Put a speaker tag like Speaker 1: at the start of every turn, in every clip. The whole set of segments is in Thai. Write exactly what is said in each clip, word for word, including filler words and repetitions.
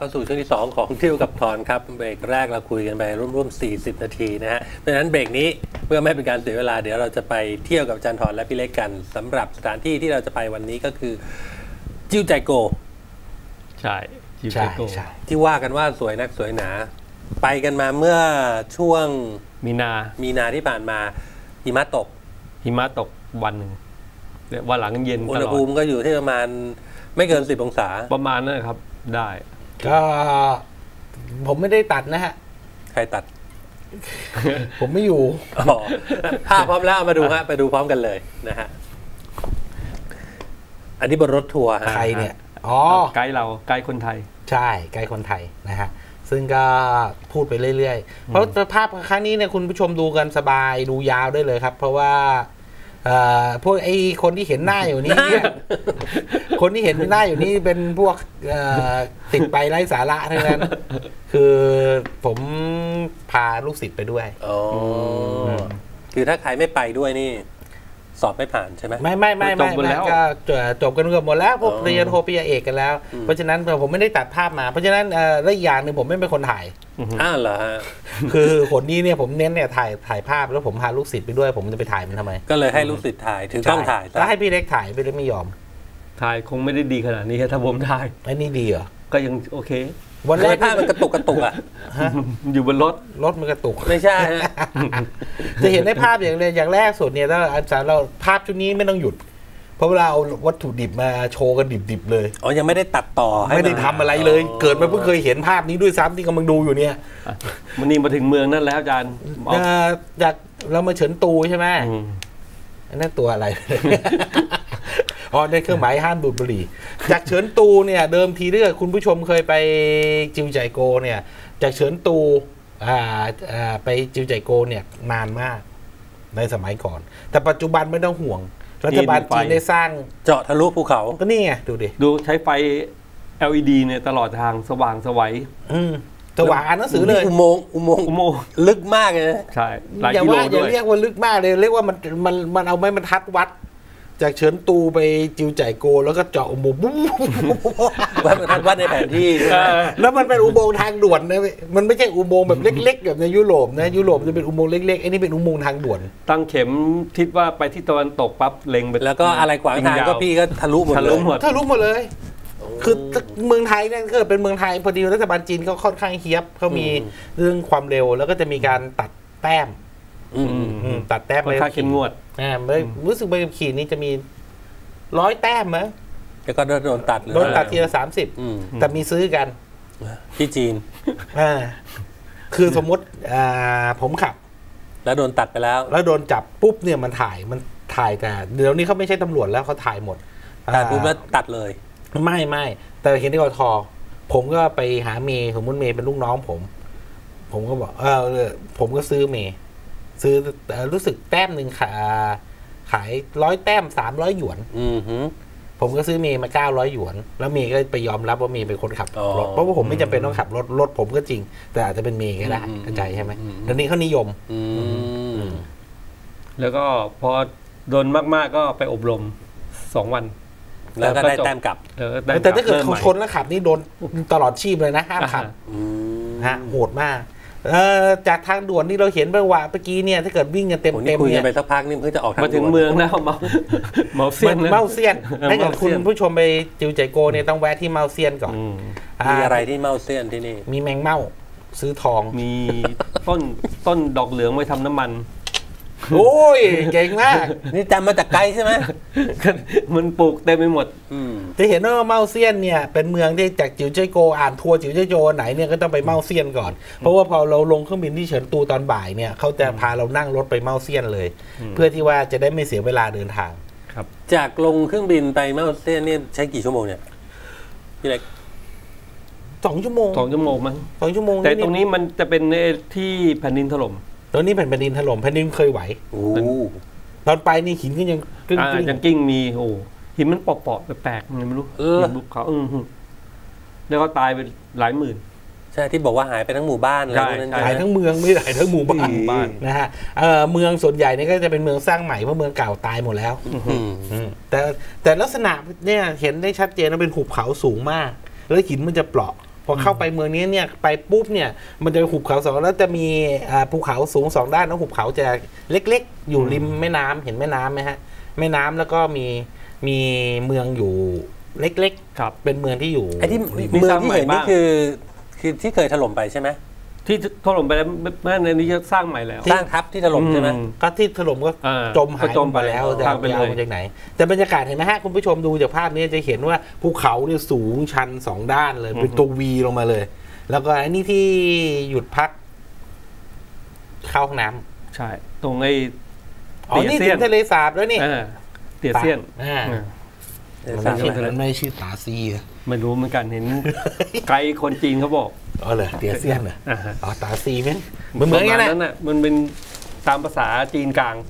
Speaker 1: เข้าสู่ช่วงที่สองของเที่ยวกับทอนครับเบรกแรกเราคุยกันไปร่วมๆสี่สิบนาทีนะฮะเพราะฉะนั้นเบรกนี้เพื่อไม่ให้เป็นการเสียเวลาเดี๋ยวเราจะไปเที่ยวกับอาจารย์ทอนและพี่เล็กกันสำหรับสถานที่ที่เราจะไปวันนี้ก็คือจิ้วใจโก
Speaker 2: ใช่จิ้วใจโก
Speaker 1: ที่ว่ากันว่าสวยนักสวยหนาไปกันมาเมื่อช่วง
Speaker 2: มีนา
Speaker 1: มีนาที่ผ่านมาหิมะตก
Speaker 2: หิมะตกวันหนึ่งวันหลังเย็นตลอด
Speaker 1: อุณหภูมิก็อยู่ที่ประมาณไม่เกินสิบองศา
Speaker 2: ประมาณนั้นครับได้
Speaker 3: ก็ผมไม่ได้ตัดนะฮะ
Speaker 1: ใครตัด
Speaker 3: ผมไม่อยู่
Speaker 1: ภาพพร้อมแล้วมาดูฮะไปดูพร้อมกันเลยนะฮะอันนี้บนรถทัวร์
Speaker 3: ใครเนี่ยอ๋อ
Speaker 2: ไกด์เราไกด์คนไทย
Speaker 3: ใช่ไกด์คนไทยนะฮะซึ่งก็พูดไปเรื่อยๆเพราะภาพครั้งนี้เนี่ยคุณผู้ชมดูกันสบายดูยาวได้เลยครับเพราะว่าพวกไอ้คนที่เห็นหน้าอยู่นี่คนที่เห็นหน้าอยู่นี่เป็นพวกติดไปไร้สาระทั้งนั้นคือผมพาลูกศิษย์ไปด้วย
Speaker 1: อ๋อคือถ้าใครไม่ไปด้วยนี่สอบไม่ผ่านใช่ไหม
Speaker 3: ไม่ไม่ไม่ไม่ก็จบกันเกือบหมดแล้วพวกเรียนโทปริญญาเอกกันแล้วเพราะฉะนั้นผมไม่ได้ตัดภาพมาเพราะฉะนั้นและอีกอย่างหนึ่งผมไม่เป็นคนถ่าย
Speaker 1: อ้าวเหรอฮะ
Speaker 3: คือคนนี้เนี่ยผมเน้นเนี่ยถ่ายถ่ายภาพแล้วผมพาลูกศิษย์ไปด้วยผมจะไปถ่ายมันทำไม
Speaker 1: ก็เลยให้ลูกศิษย์ถ่ายถึงต้องถ่าย
Speaker 3: แล้วให้พี่เล็กถ่ายพี่เล็กไม่ยอม
Speaker 2: ถ่ายคงไม่ได้ดีขนาดนี้ถ้าผมถ่าย
Speaker 3: ไอ้นี่ดีเหรอ
Speaker 2: ก็ยังโอเค
Speaker 1: วันแรกภาพมันกระตุกกระตุกอ่ะ
Speaker 2: อยู่บนรถ
Speaker 3: รถมันกระตุก
Speaker 1: ไม่ใช่
Speaker 3: จะเห็นได้ภาพอย่างเลยอย่างแรกสุดเนี่ยถ้าอาจารย์เราภาพชุดนี้ไม่ต้องหยุดเพราะเวลาเอาวัตถุดิบมาโชว์กันดิบๆเลย
Speaker 1: อ๋อยังไม่ได้ตัดต่อ
Speaker 3: ไม่ได้ทำอะไรเลยเกิดมาเพิ่งเคยเห็นภาพนี้ด้วยซ้ำที่กำลังดูอยู่เนี่ย
Speaker 2: มันนี่มาถึงเมืองนั่นแล้วอาจารย์
Speaker 3: จากเรามาเฉินตูใช่ไหมนั่นตัวอะไรอ๋อในเครื่องหมายห้ามดูดบุหรี่จากเฉินตูเนี่ยเดิมทีเรื่องคุณผู้ชมเคยไปจิวใจโกเนี่ยจากเฉินตูอ่าอ่าไปจิวใจโกเนี่ยนานมากในสมัยก่อนแต่ปัจจุบันไม่ต้องห่วงรัฐบาลจีนได้สร้าง
Speaker 1: เจาะทะลุภูเขา
Speaker 3: ก็นี่ไงดูดิ
Speaker 2: ดูใช้ไฟ แอล อี ดี เนี่ยตลอดทางสว่างสวัย
Speaker 3: อืมสว่างอ่านหนังสือเลย
Speaker 1: อุโมงค์อุโมงค์อุโมงค์ลึกมากเลย
Speaker 2: ใช่
Speaker 3: อย่าว่าอย่าเรียกว่าลึกมากเลยเรียกว่ามันมันมันเอาไม้บรรทัดวัดจากเฉินตูไปจิวใจโกแล้วก็เจาะอุโมงค์
Speaker 1: วัดบรรทัดวัดในแผนที่
Speaker 3: แล้วมันเป็นอุโมงค์ทางด่วนนะมันไม่ใช่อุโมงค์แบบเล็กๆแบบในยุโรปนะยุโรปจะเป็นอุโมงค์เล็กๆไอ้นี่เป็นอุโมงค์ทางด่วน
Speaker 2: ตั้งเข็มทิศว่าไปที่ตะวันตกปั๊บเล็งไป
Speaker 1: แล้วก็อะไรขวางทางก็พี่ก็ทะลุหมดเลย
Speaker 3: ทะลุหมดเลยคือเมืองไทยเนี่ยคือเป็นเมืองไทยพอดีรัฐบาลจีนก็ค่อนข้างเฮี้ยบเขามีเรื่องความเร็วแล้วก็จะมีการตัดแต้มตัดแต้ม
Speaker 2: เลยค่าเข้มงวด
Speaker 3: อ่ารู้สึกใบขับขี่นี้จะมีร้อยแต้มมั้ย
Speaker 1: แล้วก็โดนตัดเลย
Speaker 3: โดนตัดทีละสามสิบแต่มีซื้อกัน
Speaker 1: ที่จีน
Speaker 3: อ่าคือสมมติอ่าผมขับ
Speaker 1: แล้วโดนตัดไปแล้ว
Speaker 3: แล้วโดนจับปุ๊บเนี่ยมันถ่ายมันถ่ายแต่เดี๋ยวนี้เขาไม่ใช่ตำรวจแล้วเขาถ่ายหมด
Speaker 1: แต่ปุ๊บแล้วตัดเลย
Speaker 3: ไม่ไม่แต่เห็นที่กทผมก็ไปหาเมย์สมมติเมย์เป็นลูกน้องผมผมก็บอกเออผมก็ซื้อเมย์ซื้อรู้สึกแต้มหนึ่งขาขายร้อยแต้มสามร้อยหยวนผมก็ซื้อเมย์มาเก้าร้อยหยวนแล้วเมย์ก็ไปยอมรับว่าเมย์เป็นคนขับรถเพราะว่าผมไม่จำเป็นต้องขับรถรถผมก็จริงแต่อาจจะเป็นเมย์ก็ได้เข้าใจใช่ไหมเดี๋ยวนี้เขานิยม
Speaker 2: แล้วก็พอโดนมากๆก็ไปอบรมสองวัน
Speaker 1: แล้วก็ได้แต้มกลับ
Speaker 3: แต่ถ้าเกิดเขาชนแล้วขับนี่โดนตลอดชีพเลยนะห้ามขับฮะโหดมากจากทางด่วนที่เราเห็นไปว่าเมื่อกี้เนี่ยถ้าเกิดวิ่งกันเต็มเต็ม
Speaker 1: เนี่ยคุยกันไปสักพักนี่เพิ่งจะออก
Speaker 2: มาถึงเมืองแล้วเมาเมาเซียน
Speaker 3: เมาเซียนถ้าเกิดคุณผู้ชมไปจิวใจโกเนี่ยต้องแวะที่เมาเซียนก่อน
Speaker 1: มีอะไรที่เมาเซียนที่นี่
Speaker 3: มีแมงเม่าซื้อทอง
Speaker 2: มีต้นต้นดอกเหลืองไว้ทำน้ำมัน
Speaker 3: โอ้ยเก่งมาก
Speaker 1: นี่จำมาจากไกลใช่ไหม
Speaker 2: มันปลูกเต็มไปหมด
Speaker 3: จะเห็นว่าเมาเซียนเนี่ยเป็นเมืองที่จากจิวเจ้ยโกอ่านทัวร์จิวเจ้ยโกไหนเนี่ยก็ต้องไปเมาเซียนก่อนเพราะว่าพอเราลงเครื่องบินที่เฉินตูตอนบ่ายเนี่ยเขาจะพาเรานั่งรถไปเมาเซียนเลยเพื่อที่ว่าจะได้ไม่เสียเวลาเดินทาง
Speaker 2: ครับ
Speaker 1: จากลงเครื่องบินไปเมาเซียนนี่ใช้กี่ชั่วโมงเนี่ยพี่เล็ก
Speaker 3: สองชั่วโมง
Speaker 2: สองชั่วโมงมั้ง
Speaker 3: สองชั่วโมง
Speaker 2: แต่ตรงนี้มันจะเป็นที่แผ่นดินถล่ม
Speaker 3: ตอนนี้แผ่นดินถล่มแผ่นดินเคยไหวตอนไปนี่หินก็ยัง
Speaker 2: กิ้งยังกิ้งมีโอ้หินมันเปาะๆแปลกๆไม่รู้หินบุกเขาอือแล้วก็ตายไปหลายหมื่น
Speaker 1: ใช่ที่บอกว่าหายไปทั้งหมู่บ้าน
Speaker 3: เลยหายทั้งเมืองไม่หายทั้งหมู่บ้านนะฮะเมืองส่วนใหญ่นี่ก็จะเป็นเมืองสร้างใหม่เพราะเมืองเก่าตายหมดแล้วแต่แต่ลักษณะเนี่ยเห็นได้ชัดเจนว่าเป็นหุบเขาสูงมากแล้วหินมันจะเปราะพอเข้าไปเมืองนี้เนี่ยไปปุ๊บเนี่ยมันจะหุบเขาสองแล้วจะมีอ่าภูเขาสูงสองด้านแล้วหุบเขาจะเล็กๆ อยู่ริมแม่น้ำเห็นแม่น้ำไหมฮะแม่น้ำแล้วก็มีมีเมืองอยู่เล็ก
Speaker 2: ครับ
Speaker 3: ๆเป็นเมืองที่อยู่
Speaker 1: ไอ้ที่
Speaker 2: มี
Speaker 1: เมื
Speaker 2: ส
Speaker 1: อง
Speaker 2: ร้าง
Speaker 1: ที่
Speaker 2: ใหม่
Speaker 1: เห็นนี่
Speaker 2: บ้าง
Speaker 1: คือคือที่เคยถล่มไปใช่ไหม
Speaker 2: ที่ถล่มไปแล้วเมื่อในนี้จะสร้างใหม่แล้ว
Speaker 1: สร้างทับที่ถล่มใช่ไหม
Speaker 2: อืม
Speaker 3: ก็ที่ถล่มก็
Speaker 2: อ่า
Speaker 3: จมหาย
Speaker 2: ก็จมไป
Speaker 3: ไปแล้วจะ
Speaker 2: ทางไป
Speaker 3: เอา
Speaker 2: เลย
Speaker 3: มาจากไหน แต่บรรยากาศเห็นไหมฮะคุณผู้ชมดูจากภาพนี้จะเห็นว่าภูเขาเนี่ยสูงชันสองด้านเลยเป็นตัววีลงมาเลย แล้วก็อันนี้ที่หยุดพักเข้าห้องน้ำ
Speaker 2: ใช่ ตรงไอ้
Speaker 3: อ๋อนี่ถึงทะเลสาบแล้วนี่
Speaker 2: เออเตียเซียน
Speaker 3: อ่า
Speaker 2: เออ
Speaker 3: มันไม่ใช่มันไม่ชื่อตาซีเหรอ
Speaker 2: ไม่รู้เหมือนกันเห็น ไกด์คนจีนเขาบอก
Speaker 3: อ๋อเหรอเตียเซียนเหรอ
Speaker 2: อ่าฮะ
Speaker 3: อ๋อตาซีไหมเหมือนเหมือนกัน
Speaker 2: ประาณ
Speaker 3: นะ
Speaker 2: นั้นน่ะมันเป็นตามภาษาจีนกลาง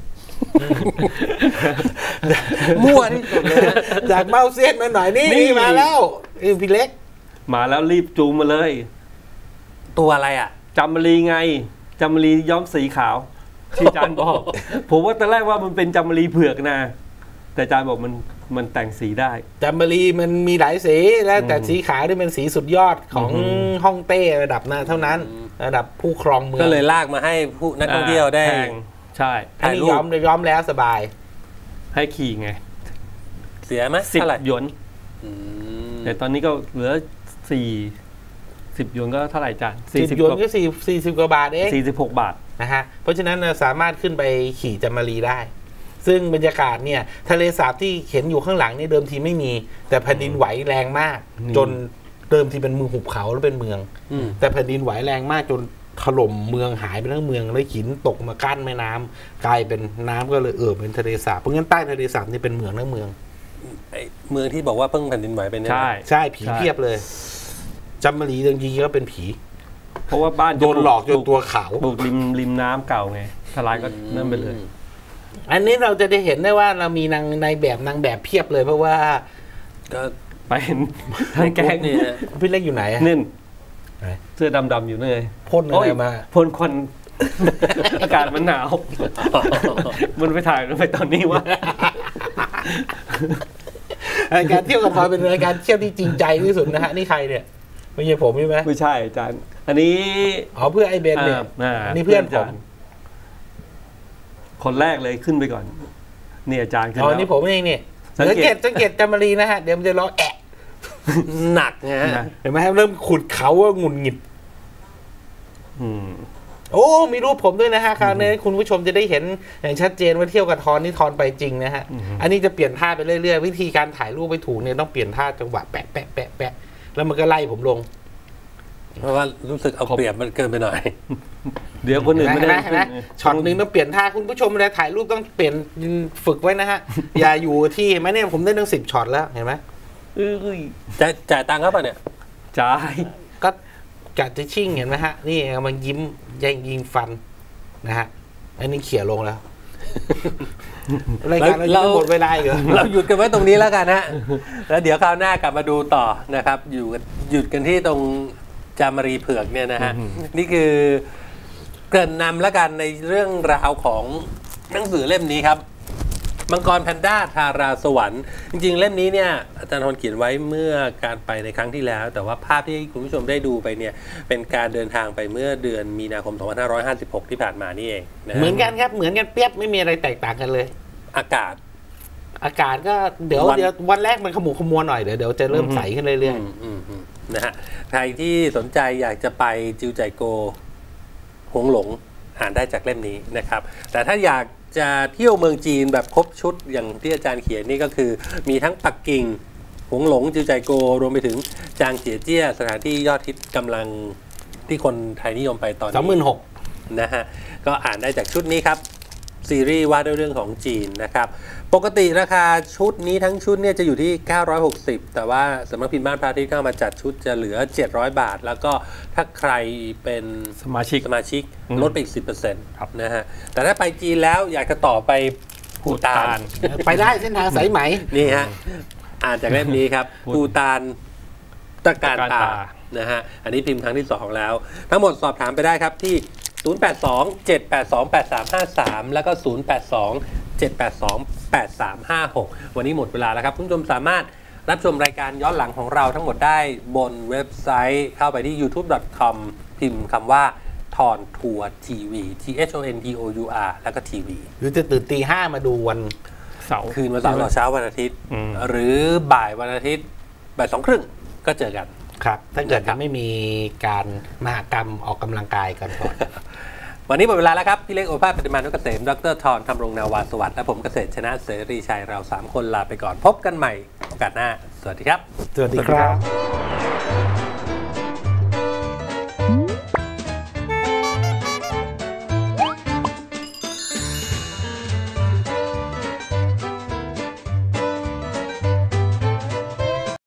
Speaker 1: มั่วที่สุดเลยนะ
Speaker 3: จากเมาเซียนมาหน่อยนี่
Speaker 2: นี่
Speaker 3: นี่มาแล้วเอ้ยพี่เล็ก
Speaker 2: มาแล้วรีบจูงมาเลย
Speaker 1: ตัวอะไรอ่ะ
Speaker 2: จำมะรีไงจำมะรีย้อมสีขาวที่อาจารย์บอก ผมว่าตอนแรกว่ามันเป็นจำมะรีเผือกนะ แต่อาจารย์บอกมันมันแต่งสีได้
Speaker 3: จัมเบอรีมันมีหลายสีแล้วแต่สีขาวนี่เป็นสีสุดยอดของ
Speaker 2: อืม
Speaker 3: ฮ่องเต้ระดับนั้นเท่านั้น ระดับผู้ครองเมือง
Speaker 1: ก็เลยลากมาให้ผู้นักท่องเที่ยวได้
Speaker 2: แพงใช่
Speaker 3: อัน
Speaker 1: ถ่าย
Speaker 3: นี้
Speaker 1: รู
Speaker 3: ย้อ
Speaker 1: ป
Speaker 3: มย้อมแล้วสบาย
Speaker 2: ให้ขี่ไง
Speaker 1: เสียไหม
Speaker 2: สิบ
Speaker 1: เท่าไหร่
Speaker 2: หยวน
Speaker 1: อืม
Speaker 2: แต่ตอนนี้ก็เหลือสี่สิบหยวนก็เท่าไหร่จาน
Speaker 3: สิบหยวนก็สี่สี่สิบกว่าบาทเอง
Speaker 2: สี่สิบหกบาท
Speaker 3: นะฮะเพราะฉะนั้นเราสามารถขึ้นไปขี่จัมเบอรีได้ ซึ่งบรรยากาศเนี่ยทะเลสาบที่เห็นอยู่ข้างหลังนี่เดิมทีไม่มี แต่แผ่นดินไหวแรงมาก
Speaker 2: อืม
Speaker 3: จนเดิมทีเป็นเมืองหุบเขาแล้วเป็นเมือง
Speaker 1: อืม
Speaker 3: แต่แผ่นดินไหวแรงมากจนถล่มเมืองหายไปทั้งเมืองแล้วหินตกมากั้นแม่น้ำกลายเป็นน้ำก็เลยเอ่อเป็นทะเลสาบเพราะงั้นใต้ทะเลสาบนี่เป็นเมืองทั้งเมือง
Speaker 1: ไอ้เมืองที่บอกว่าเพิ่งแผ่นดินไหวเป็นเนี่ยนะ
Speaker 2: ใช่
Speaker 3: ใช่ผี
Speaker 2: ใช่
Speaker 3: เพียบเลยจัมมารีจริงๆก็เป็นผี
Speaker 2: เพราะว่าบ้าน
Speaker 3: โดนหลอกจนตัวขาว
Speaker 2: ปลูกริมริมน้ำเก่าไงทลายก็นั่นไปเลย
Speaker 3: อันนี้เราจะได้เห็นได้ว่าเรามีนางในแบบนางแบบเพียบเลยเพราะว่า
Speaker 1: ก็
Speaker 2: ไปเห็นทั้งแกง
Speaker 1: นี่นะ
Speaker 3: พี่เล็กอยู่ไหนอะ
Speaker 2: นี่น
Speaker 3: ไหน
Speaker 2: เสื้อดำๆอยู่นั่นไง
Speaker 3: พ่นอะไรมา
Speaker 2: พ่นควัน อากาศมันหนาว มันไปถ่ายมันไปตอนนี้วะ
Speaker 3: รายการเที่ยวกับทอยเป็นรายการเที่ยวที่จริงใจที่สุดนะฮะนี่ใครเนี่ยไม่ใช่ผมใช่ไหม
Speaker 2: ไม่ใช่อาจารย์ อันนี้
Speaker 3: อ๋อเพื่อนไอ้เบนเนี่ย
Speaker 2: อ่า
Speaker 3: นี่เพื่อนผม
Speaker 2: าจารย์คนแรกเลยขึ้นไปก่อนนี่อาจารย์ขึ้น
Speaker 3: อ๋อ
Speaker 2: แล้ว
Speaker 3: นี่ผมเองเนี่ย
Speaker 2: สั
Speaker 3: สั
Speaker 2: ง
Speaker 3: ง
Speaker 2: เกต
Speaker 3: เกตสังเกตจัมมารีนะฮะเดี๋ยวมันจะร้องแอะ
Speaker 1: หนักนะฮะ
Speaker 2: นะ
Speaker 3: เห็นไหมครับเริ่มขุดเขาว่าหงุดหงิด
Speaker 2: อืม
Speaker 3: โอ้มีรูปผมด้วยนะฮะคราวนี้คุณผู้ชมจะได้เห็นอย่างชัดเจนว่าเที่ยวกับทอนนี่ทอนไปจริงนะฮะ
Speaker 2: อือฮึ
Speaker 3: อันนี้จะเปลี่ยนท่าไปเรื่อยๆวิธีการถ่ายรูปไปถูกเนี่ยต้องเปลี่ยนท่าจังหวะแปะแปะแปะแปะแล้วมันก็ไล่ผมลง
Speaker 1: เพราะว่ารู้สึกเอาเปรียบมันเกินไปหน่อย
Speaker 2: เดี๋ยวคนอื่นไม่ได้
Speaker 3: เห็นไหมช็อตหนึ่งต้องเปลี่ยนท่าคุณผู้ชมเวลาถ่ายรูปต้องเปลี่ยนฝึกไว้นะฮะ อย่าอยู่ที่เห็นไหมเนี่ยผมได้ตั้งสิบช็อตแล้วเห็นไหม
Speaker 2: เอ้ย
Speaker 1: จะจ่ายตังค์เขาป่ะเนี่ย
Speaker 2: จ่าย
Speaker 3: ก็กัดจะชิ่งเห็นไหมฮะนี่มันยิ้มยิงยิงฟันนะฮะอันนี้เขี่ยลงแล้วรายการเราจะหมดเวลาอีกเหรอ
Speaker 1: เราหยุดกันไว้ตรงนี้แล้วกันฮะ แล้วเดี๋ยวคราวหน้ากลับมาดูต่อนะครับ อยู่กันหยุดกันที่ตรงจามารีเผือกเนี่ยนะฮะ นี่คือเกริ่นนำแล้วกันในเรื่องราวของหนังสือเล่มนี้ครับ มังกรแพนด้าทาราสวรรค์จริงๆเล่มนี้เนี่ยอาจารย์ทนเขียนไว้เมื่อการไปในครั้งที่แล้ว แต่ว่าภาพที่คุณผู้ชมได้ดูไปเนี่ยเป็นการเดินทางไปเมื่อเดือนมีนาคม สองพันห้าร้อยห้าสิบหก ที่ผ่านมานี่เองนะฮะ
Speaker 3: เหมือนกันครับเหมือนกันเปียบไม่มีอะไรแตกต่างกันเลย
Speaker 1: อากาศ
Speaker 3: อากาศก็เดี๋ยว
Speaker 1: วัน
Speaker 3: เดี๋ยววันแรกมันขมุกขมัวหน่อยเดี๋ยวเดี๋ยวจะเริ่มใสขึ้นเรื่อย
Speaker 1: อืมอืมอืมนะฮะใครที่สนใจอยากจะไปจิวใจโกหงหลงอ่านได้จากเล่มนี้นะครับ แต่ถ้าอยากจะเที่ยวเมืองจีนแบบครบชุดอย่างที่อาจารย์เขียนนี่ก็คือ มีทั้งปักกิ่งหงหลงจิวใจโกรวมไปถึงจางเจียเจี้ยสถานที่ยอดฮิตกำลังที่คนไทยนิยมไปตอน
Speaker 3: ๆสองหมื่
Speaker 1: นี้
Speaker 3: นหก
Speaker 1: นะฮะก็อ่านได้จากชุดนี้ครับ ซีรีส์ว่าด้วยเรื่องของจีนนะครับ ปกติราคาชุดนี้ทั้งชุดเนี่ยจะอยู่ที่ เก้าร้อยหกสิบ แต่ว่าสำนักพิมพ์บ้านพระอาทิตย์เข้ามาจัดชุดจะเหลือ เจ็ดร้อย บาท แล้วก็ถ้าใครเป็น
Speaker 2: สมาชิก
Speaker 1: สมาชิก
Speaker 2: อืม
Speaker 1: ลดไปอีก สิบเปอร์เซ็นต์
Speaker 2: ครับ
Speaker 1: นะฮะแต่ถ้าไปจีนแล้วอยากจะต่อไปภูตาน
Speaker 3: ไปได้เส้นทางสายไหม
Speaker 1: นี่ฮะ อ่านจากเล่มนี้ครับ
Speaker 2: พูด
Speaker 1: ภูตานตะการ
Speaker 2: ตะการ
Speaker 1: ตา
Speaker 2: ตา
Speaker 1: นะฮะ อันนี้พิมพ์ครั้งที่สองแล้ว ทั้งหมดสอบถามไปได้ครับที่ ศูนย์ แปด สอง เจ็ด แปด สอง แปด สาม ห้า สาม แล้วก็ ศูนย์ แปด สอง เจ็ด แปด สอง แปด สาม ห้า หก วันนี้หมดเวลาแล้วครับคุณผู้ชมสามารถรับชมรายการย้อนหลังของเราทั้งหมดได้บนเว็บไซต์เข้าไปที่ ยูทูบ ดอท คอม พิมพ์คำว่าทอนทัวร์ทีวี T H O N T O U R แล้วก็ทีวี
Speaker 3: หรือจะตื่นตีห้ามาดูวัน
Speaker 2: เสาร์
Speaker 1: คืนวันเสาร์ต่อเช้าวันอาทิตย์
Speaker 2: อืม
Speaker 1: หรือบ่ายวันอาทิตย์บ่ายสองครึ่งก็เจอกัน
Speaker 3: ครับ ถ้าเกิด
Speaker 1: นะครับ
Speaker 3: จะไม่มีการมหกรรมออกกำลังกายกันก่อน
Speaker 1: วันนี้หมดเวลาแล้วครับ พี่เล็กโอภาสปฏิมานุกเกษมดรทรธรรมรงนาวาสวัสดิ์และผมเกษตรชนะเสรีชัยเราสามคนลาไปก่อนพบกันใหม่โอกาสหน้า สวัสดีครับ
Speaker 3: สวัสดีครับ